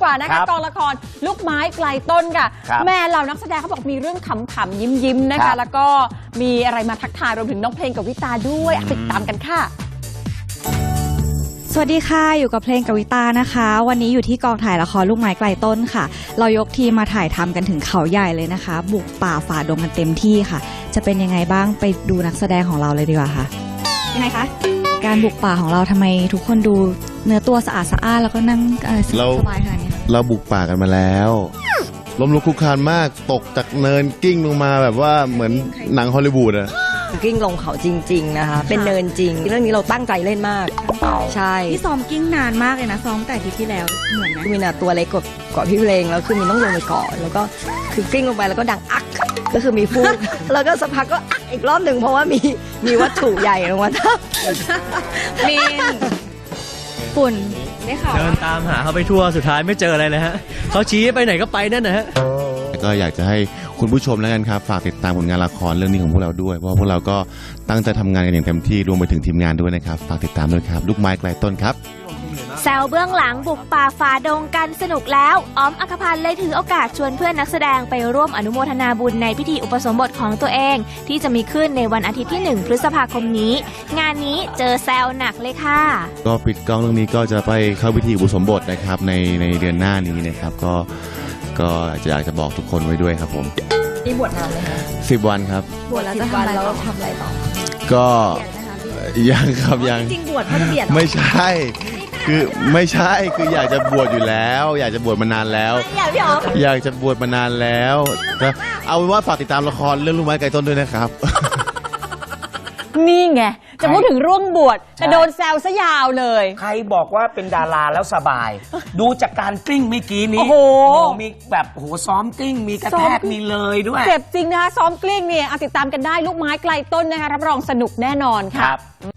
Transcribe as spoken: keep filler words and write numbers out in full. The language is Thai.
กว่านะคะกองละครลูกไม้ไกลต้นค่ะแม่เหล่านักแสดงเขาบอกมีเรื่องขำๆยิ้มๆนะคะแล้วก็มีอะไรมาทักทายรวมถึงน้องเพลงกับวิตาด้วยติดตามกันค่ะสวัสดีค่ะอยู่กับเพลงกวิตานะคะวันนี้อยู่ที่กองถ่ายละครลูกไม้ไกลต้นค่ะเรายกทีมมาถ่ายทำกันถึงเขาใหญ่เลยนะคะบุกป่าฝ่าดงกันเต็มที่ค่ะจะเป็นยังไงบ้างไปดูนักแสดงของเราเลยดีกว่าค่ะยังไงคะการบุกป่าของเราทำไมทุกคนดูเนื้อตัวสะอาดสะอ้านแล้วก็นั่งสบายขนาดนี้เราบุกป่ากันมาแล้วล้มลุกคลุกคลานมากตกจากเนินกิ้งลงมาแบบว่าเหมือนหนังฮอลลีวูดอะกิ้งลงเขาจริงๆนะคะเป็นเนินจริงเรื่องนี้เราตั้งใจเล่นมากใช่ที่ซ้อมกิ้งนานมากเลยนะซ้อมแต่ทีที่แล้วเหมือนมีนาตัวเล็กกว่าพี่เพลงแล้วคือมีต้องลงไปเกาะแล้วก็คือกิ้งลงไปแล้วก็ดังอักก็คือมีฟูกแล้วก็สักพักก็อักอีกรอบหนึ่งเพราะว่ามีมีวัตถุใหญ่ลงมาทับมีฝุ่นได้ข่าวเดินตามหาเขาไปทั่วสุดท้ายไม่เจออะไรเลยฮะเขาชี้ไปไหนก็ไปนั่นนะฮะก็อยากจะให้คุณผู้ชมแล้วกันครับฝากติดตามผลงานละครเรื่องนี้ของพวกเราด้วยเพราะพวกเราก็ตั้งใจทำงานกันอย่างเต็มที่รวมไปถึงทีมงานด้วยนะครับฝากติดตามด้วยครับลูกไม้ไกลต้นครับแซวเบื้องหลังบุกป่าฝ่าดงกันสนุกแล้วอ้อมอัครพันธ์เลยถือโอกาสชวนเพื่อนนักแสดงไปร่วมอนุโมทนาบุญในพิธีอุปสมบทของตัวเองที่จะมีขึ้นในวันอาทิตย์ที่หนึ่งพฤษภาคมนี้งานนี้เจอแซวหนักเลยค่ะก็ปิดกล้องเรื่องนี้ก็จะไปเข้าพิธีอุปสมบทนะครับในในเดือนหน้านี้นะครับก็ก็อยากจะบอกทุกคนไว้ด้วยครับผมนี่บวชนานไหมคะสิบวันครับบวชแล้วจะทำอะไรเราทำอะไรต่อก็ยังครับยังจริงบวชเขาจะเบียดไม่ใช่คือไม่ใช่คืออยากจะบวชอยู่แล้ว อยากจะบวชมานานแล้วอยากพี่อ๋ออยากจะบวชมานานแล้วก็เอาเป็นว่าฝากติดตามละครเรื่องลูกไม้ไกลต้นด้วยนะครับนี่ไงจะพูดถึงร่วงบวชแต่โดนแซวซะยาวเลยใครบอกว่าเป็นดาราแล้วสบายดูจากการกลิ้งเมื่อกี้นี้โอ้โหมีแบบโหซ้อมกลิ้งมีกระแทกมีเลยด้วยเจ็บจริงนะคะซ้อมกลิ้งเนี่ยติดตามกันได้ลูกไม้ไกลต้นนะคะรับรองสนุกแน่นอนค่ะ